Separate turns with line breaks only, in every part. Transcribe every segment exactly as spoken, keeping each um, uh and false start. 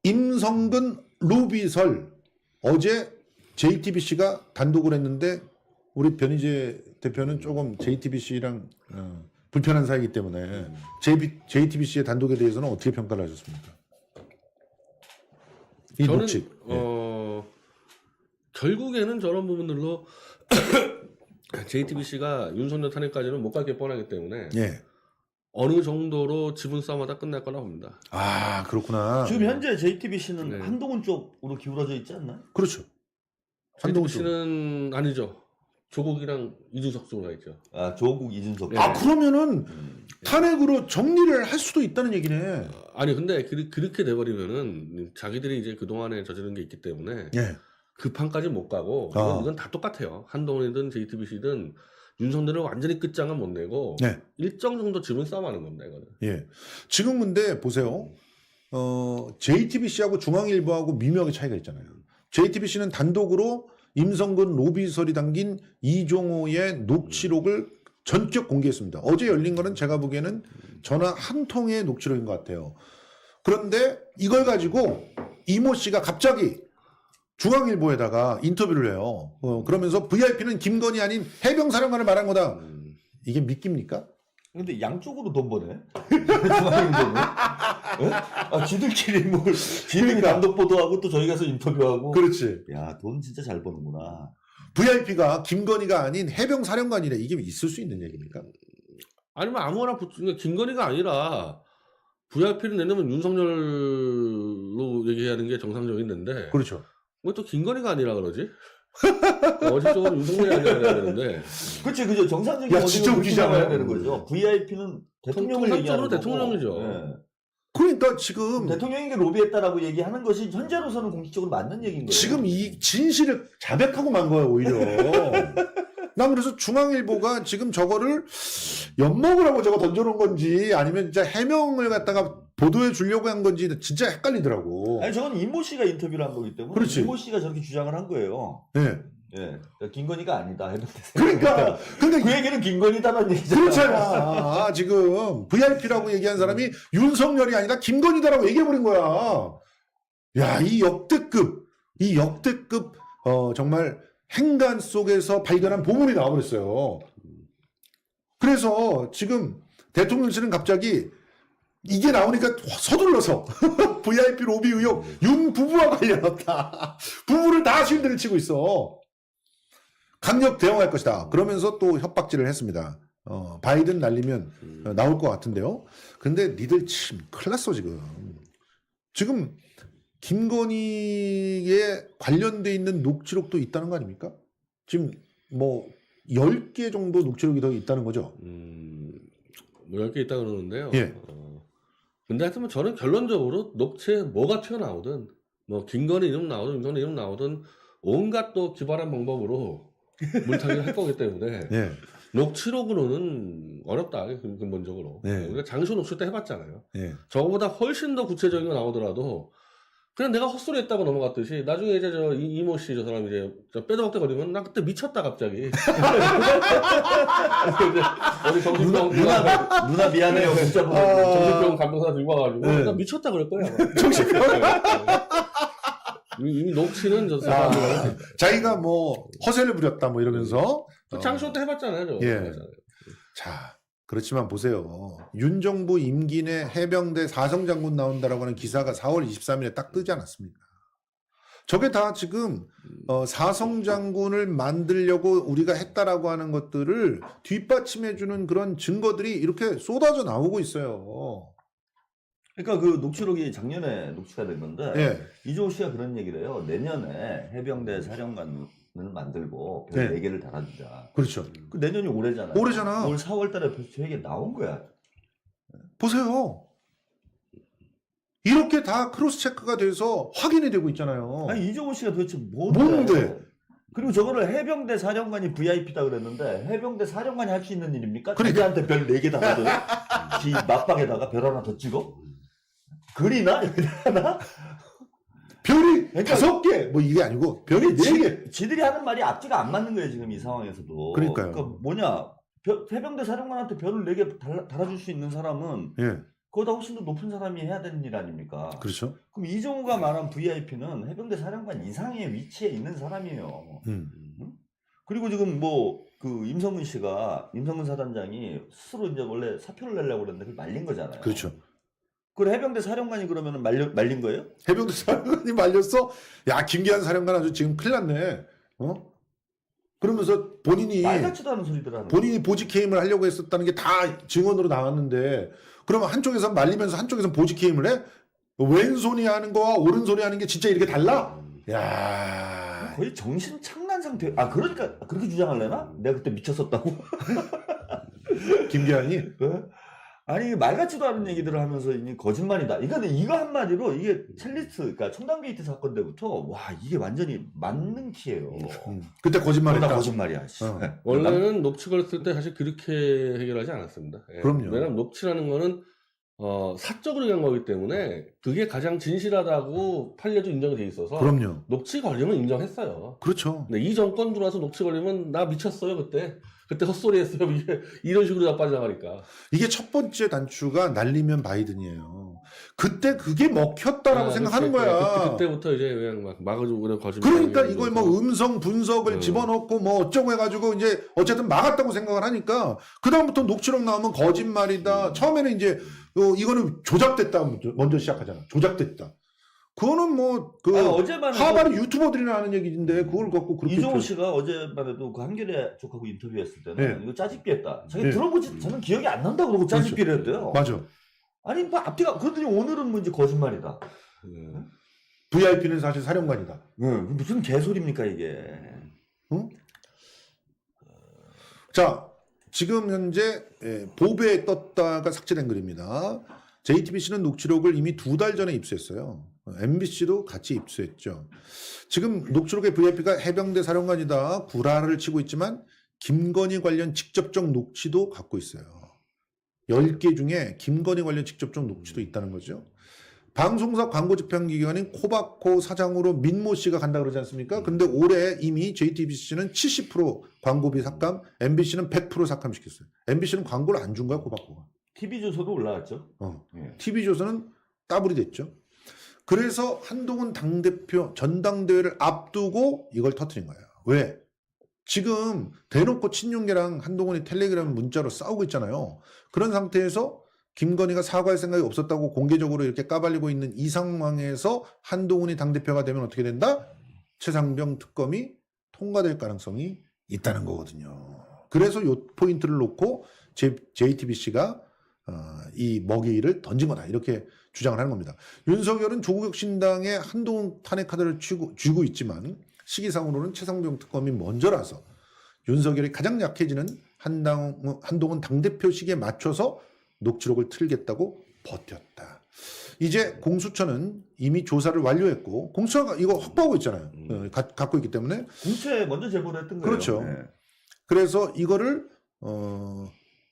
임성근, 로비설 어제 제이티비씨가 단독을 했는데 우리 변희재 대표는 조금 제이티비씨랑 어, 불편한 사이이기 때문에 제이티비씨의 단독에 대해서는 어떻게 평가를 하셨습니까? 이
저는
녹취.
어, 결국에는 저런 부분들로 제이티비씨가 윤석열 탄핵까지는 못 가게 뻔하기 때문에
예.
어느 정도로 지분 싸움하다 끝날 거라고 봅니다.
아 그렇구나.
지금 현재 제이티비씨는
네.
한동훈 쪽으로 기울어져 있지 않나요?
그렇죠. 한동훈 쪽.
제이티비씨는 아니죠. 조국이랑 이준석 쪽으로 있죠.
아 조국 이준석.
네.
아 그러면은
음.
탄핵으로 정리를 할 수도 있다는 얘기네.
아니 근데 그, 그렇게 돼버리면은 자기들이 이제 그 동안에 저지른 게 있기 때문에
예.
그 판까지 못 가고
어.
이건, 이건 다 똑같아요. 한동훈이든 제이티비씨든 윤석열을 완전히 끝장은 못 내고
네.
일정 정도 지분 싸움하는 겁니다. 이거는.
예. 지금 근데 보세요. 어, 제이티비씨하고 중앙일보하고 미묘하게 차이가 있잖아요. 제이티비씨는 단독으로 임성근 로비설이 담긴 이종호의 녹취록을 전격 공개했습니다. 어제 열린 거는 제가 보기에는 전화 한 통의 녹취록인 것 같아요. 그런데 이걸 가지고 이모 씨가 갑자기 중앙일보에다가 인터뷰를 해요. 어, 그러면서 브이아이피는 김건희 아닌 해병사령관을 말한 거다.
음.
이게 믿깁니까?
근데 양쪽으로 돈 버네. 중앙일보는. 예? 아 지들끼리 뭘 지들이
그러니까.
단독 보도하고 또 저희 가서 인터뷰하고.
그렇지.
야 돈 진짜 잘 버는구나.
브이아이피가 김건희가 아닌 해병사령관이래. 이게 있을 수 있는 얘기입니까?
아니면 아무거나 붙- 그러니까 김건희가 아니라 브이아이피를 내려면 윤석열로 얘기하는 게 정상적인데
그렇죠.
왜 또 김건희가 아니라 그러지? 어제적으로 윤석열이 아니라 그래야 되는데
그렇지 그죠 정상적인
야, 진짜
어디로
웃기지 않아요?
가야 되는 거죠. 브이아이피는 대통령을
통상적으로
얘기하는 거고.
대통령이죠.
예.
그러니까 지금
대통령에게 로비했다라고 얘기하는 것이 현재로서는 공식적으로 맞는 얘기인 거예요.
지금 이 진실을 자백하고 만 거예요, 오히려. 난 그래서 중앙일보가 지금 저거를 엿먹으라고 저거 던져놓은 건지 아니면 진짜 해명을 갖다가 보도해 주려고 한 건지 진짜 헷갈리더라고.
아니 저건 이모 씨가 인터뷰를 한 거기 때문에
그렇지.
이모 씨가 저렇게 주장을 한 거예요.
네.
예, 그러니까 김건희가 아니다.
그러니까,
그
그러니까
얘기는 김건희다는 얘기잖아.
그렇잖아. 아, 지금 브이아이피라고 얘기한 사람이 윤석열이 아니라 김건희다라고 얘기해버린 거야. 야, 이 역대급, 이 역대급, 어, 정말 행간 속에서 발견한 보물이 나와버렸어요. 그래서 지금 대통령실은 갑자기 이게 나오니까 서둘러서 브이아이피 로비 의혹 윤 부부와 관련했다. 부부를 다 실드를 치고 있어. 강력 대응할 것이다. 그러면서 또 협박질을 했습니다. 어, 바이든 날리면 어, 나올 것 같은데요. 근데 니들 참 큰일 났어 지금. 지금 김건희에 관련돼 있는 녹취록도 있다는 거 아닙니까? 지금 뭐 열 개 정도 녹취록이 더 있다는 거죠.
음, 뭐 열 개 있다 그러는데요.
예.
어, 근데 하여튼 뭐 저는 결론적으로 녹취에 뭐가 튀어나오든 뭐 김건희 이름 나오든 윤석열 이름 나오든 온갖 또 기발한 방법으로 물타기를 할 거기 때문에
예.
녹취록으로는 어렵다 근- 근본적으로.
네.
우리가 장소 녹취 때 해봤잖아요.
예.
저거보다 훨씬 더 구체적인 거 나오더라도 그냥 내가 헛소리 했다고 넘어갔듯이 나중에 이제 저 이- 이모 씨 저 사람 이제 저 빼도박대 거리면 나 그때 미쳤다 갑자기. 이제 어디 정신병
누나 누나 미안해요. 진짜 뭐.
아.
정신병 감독사 들고 와가지고
네.
나 미쳤다 그럴 거야. 아마.
정신병.
이미 이미 녹취는 저
아,
사람
자기가 뭐 허세를 부렸다 뭐 이러면서 어.
장소 때 해봤잖아요. 저.
예.
해봤잖아요.
자, 그렇지만 보세요. 윤 정부 임기 내 해병대 사성장군 나온다라고 하는 기사가 사월 이십삼일에 딱 뜨지 않았습니까? 저게 다 지금 어, 사성장군을 만들려고 우리가 했다라고 하는 것들을 뒷받침해주는 그런 증거들이 이렇게 쏟아져 나오고 있어요.
그러니까 그 녹취록이 작년에 녹취가 된 건데
예.
이종호 씨가 그런 얘기를 해요. 내년에 해병대 사령관을 만들고 별
네.
네 개를 달아주자.
그렇죠.
그 내년이 올해잖아요.
올해잖아.
올 사월 달에 벌써 저 얘기 나온 거야.
보세요. 이렇게 다 크로스 체크가 돼서 확인이 되고 있잖아요.
아니 이종호 씨가 도대체 뭔데?
뭔데?
그리고 저거를 해병대 사령관이 브이아이피다 그랬는데 해병대 사령관이 할 수 있는 일입니까?
그러니까.
자기한테 별 네 개 달아도 지 맞박에다가 별 하나 더 찍어? 그리나? 여기 하나?
별이
그러니까-
다섯 개, 뭐 이게 아니고 별이 네 개.
지, 지들이 하는 말이 앞뒤가 안 맞는 거예요 지금 이 상황에서도.
그러니까요.
그러니까 뭐냐 별- 해병대 사령관한테 별을 네 개 달아줄 수 있는 사람은
예.
그거보다 훨씬 더 높은 사람이 해야 되는 일 아닙니까?
그렇죠.
그럼 이종호가 말한 브이아이피는 해병대 사령관 이상의 위치에 있는 사람이에요.
음.
그리고 지금 뭐 그 임성근 씨가 임성근 사단장이 스스로 이제 원래 사표를 내려고 그랬는데 그걸 말린 거잖아요.
그렇죠.
그걸 해병대 사령관이 그러면 말려, 말린 거예요?
해병대 사령관이 말렸어. 야 김기한 사령관 아주 지금 큰일 났네. 어? 그러면서 본인이
말 같지도 않은 소리들 하는
본인이 보직 해임을 하려고 했었다는 게 다 증언으로 나왔는데 그러면 한쪽에서 말리면서 한쪽에서 보직 해임을 해? 왼손이 하는 거와 오른손이 하는 게 진짜 이렇게 달라? 야.
거의 정신 착란 상태. 아 그러니까 그렇게 주장하려나? 내가 그때 미쳤었다고?
김기한이
네? 아니 말 같지도 않은 얘기들을 하면서 이게 거짓말이다. 이거는 이거 한마디로 이게 첼리스트, 그러니까 청담 게이트 사건 때부터 와 이게 완전히 맞는 키예요.
음, 그때 거짓말했다.
다 거짓말이야. 씨.
어.
원래는 녹취 걸었을 때 사실 그렇게 해결하지 않았습니다. 예.
그럼요.
왜냐하면 녹취라는 거는 어, 사적으로 한 거기 때문에 그게 가장 진실하다고 판례도 인정이 돼 있어서
그럼요.
녹취 걸리면 인정했어요.
그렇죠.
근데 이 정권 들어와서 녹취 걸리면 나 미쳤어요 그때. 그때 헛소리 했어요. 이게 이런 식으로 다 빠져나가니까.
이게 첫 번째 단추가 날리면 바이든이에요. 그때 그게 먹혔다라고
아,
생각하는
그치,
거야.
그때, 그때부터 이제 그냥 막 막아주고 그냥 거짓말.
그러니까 이걸 뭐 음성 분석을
음.
집어넣고 뭐 어쩌고 해가지고 이제 어쨌든 막았다고 생각을 하니까 그 다음부터 녹취록 나오면 거짓말이다.
음.
처음에는 이제 어, 이거는 조작됐다 먼저, 먼저 시작하잖아. 조작됐다. 그거는 뭐그
아, 어제만
하바리 유튜버들이나 하는 얘기인데 그걸 갖고 그렇게
이종호
표-
씨가 어제만 해도 그 한겨레 쪽하고 인터뷰했을 때는
네.
이거 짜집기했다. 자기
네.
들어보지 저는 기억이 안 난다 그러고 짜집기를 했대요.
맞아.
아니 뭐 앞뒤가 그러더니 오늘은 뭐 이제 거짓말이다.
네.
브이아이피는 사실 사령관이다.
네, 무슨 개소리입니까 이게?
응? 자, 지금 현재 예, 보배에 떴다가 삭제된 글입니다. 제이티비씨는 녹취록을 이미 두 달 전에 입수했어요. 엠비씨도 같이 입수했죠. 지금 녹취록의 브이아이피가 해병대 사령관이다 구라를 치고 있지만 김건희 관련 직접적 녹취도 갖고 있어요. 열 개 중에 김건희 관련 직접적 녹취도 있다는 거죠. 방송사 광고 집행 기관인 코바코 사장으로 민모 씨가 간다 그러지 않습니까? 근데 올해 이미 제이티비씨는 칠십 퍼센트 광고비 삭감, 엠비씨는 백 퍼센트 삭감시켰어요. 엠비씨는 광고를 안 준 거야, 코바코가.
티비 조서도 올라왔죠.
어.
예.
티비조선은 따블이 됐죠. 그래서 한동훈 당대표 전당대회를 앞두고 이걸 터뜨린 거예요. 왜? 지금 대놓고 친윤계랑 한동훈이 텔레그램 문자로 싸우고 있잖아요. 그런 상태에서 김건희가 사과할 생각이 없었다고 공개적으로 이렇게 까발리고 있는 이 상황에서 한동훈이 당대표가 되면 어떻게 된다? 최상병 특검이 통과될 가능성이 있다는 거거든요. 그래서 이 포인트를 놓고 제이티비씨가 어, 이 먹이를 던진 거다 이렇게 주장을 하는 겁니다. 윤석열은 조국 혁신당에 한동훈 탄핵 카드를 쥐고, 쥐고 있지만 시기상으로는 최상병 특검이 먼저라서 윤석열이 가장 약해지는 한당, 한동훈 당대표 시기에 맞춰서 녹취록을 틀겠다고 버텼다. 이제 공수처는 이미 조사를 완료했고 공수처가 이거 확보하고 있잖아요.
음.
어, 가, 갖고 있기 때문에
공채 먼저 제보를 했던 거예요.
그렇죠.
네.
그래서 이거를 어,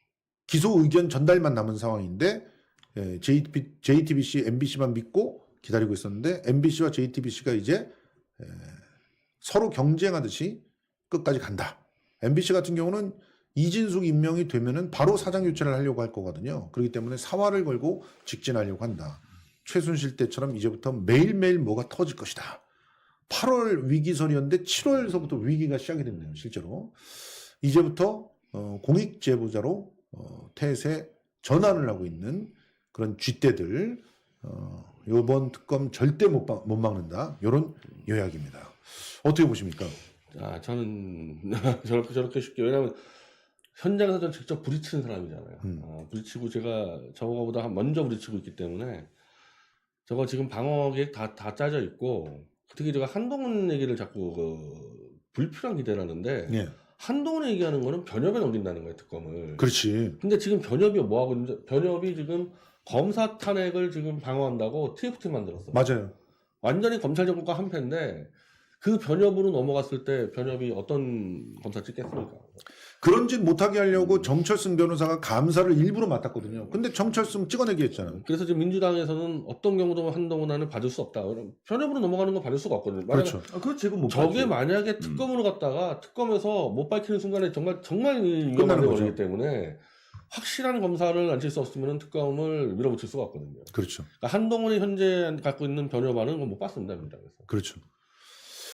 기소 의견 전달만 남은 상황인데 예, 제이티비씨, 엠비씨만 믿고 기다리고 있었는데 엠비씨와 제이티비씨가 이제 예, 서로 경쟁하듯이 끝까지 간다. 엠비씨 같은 경우는 이진숙 임명이 되면은 바로 사장 교체를 하려고 할 거거든요. 그렇기 때문에 사활을 걸고 직진하려고 한다. 최순실 때처럼 이제부터 매일매일 뭐가 터질 것이다. 팔월 위기설이었는데 칠월서부터 위기가 시작이 됐네요. 실제로. 이제부터 어, 공익제보자로 어, 태세 전환을 하고 있는 그런 쥐떼들 어, 이번 특검 절대 못, 막, 못 막는다. 이런 요약입니다. 어떻게 보십니까?
아, 저는 저렇게 저렇게 쉽게 왜냐하면 현장에서 저 직접 부딪히는 사람이잖아요.
음.
어, 부딪히고 제가 저거보다 먼저 부딪히고 있기 때문에 저거 지금 방어 계획 다, 다 짜져 있고 특히 제가 한동훈 얘기를 자꾸 그 불필요한 기대를 하는데
예,
한동훈 얘기하는 거는 변협에 넘긴다는 거예요 특검을.
그렇지.
근데 지금 변협이 뭐 하고 있는지 변협이 지금 검사 탄핵을 지금 방어한다고 티에프티 만들었어.
맞아요.
완전히 검찰 정권과 한패인데 그 변협으로 넘어갔을 때 변협이 어떤 검사 찍겠습니까?
그런 짓 못하게 하려고 정철승 변호사가 감사를 일부러 맡았거든요. 근데 정철승 찍어내기 했잖아요.
그래서 지금 민주당에서는 어떤 경우도 한동훈안을 받을 수 없다. 변협으로 넘어가는 건 받을 수가 없거든요. 만약에
그렇죠.
아, 그렇지, 그건 못
저게
봤지.
만약에 특검으로 갔다가 특검에서 못 밝히는 순간에 정말 정말 위험한
끝나는
데
거죠.
걸리기 때문에 확실한 검사를 앉힐 수 없으면 특검을 밀어붙일 수가 없거든요.
그렇죠.
그러니까 한동훈이 현재 갖고 있는 변호반은 못 봤습니다, 민주당에서.
그렇죠.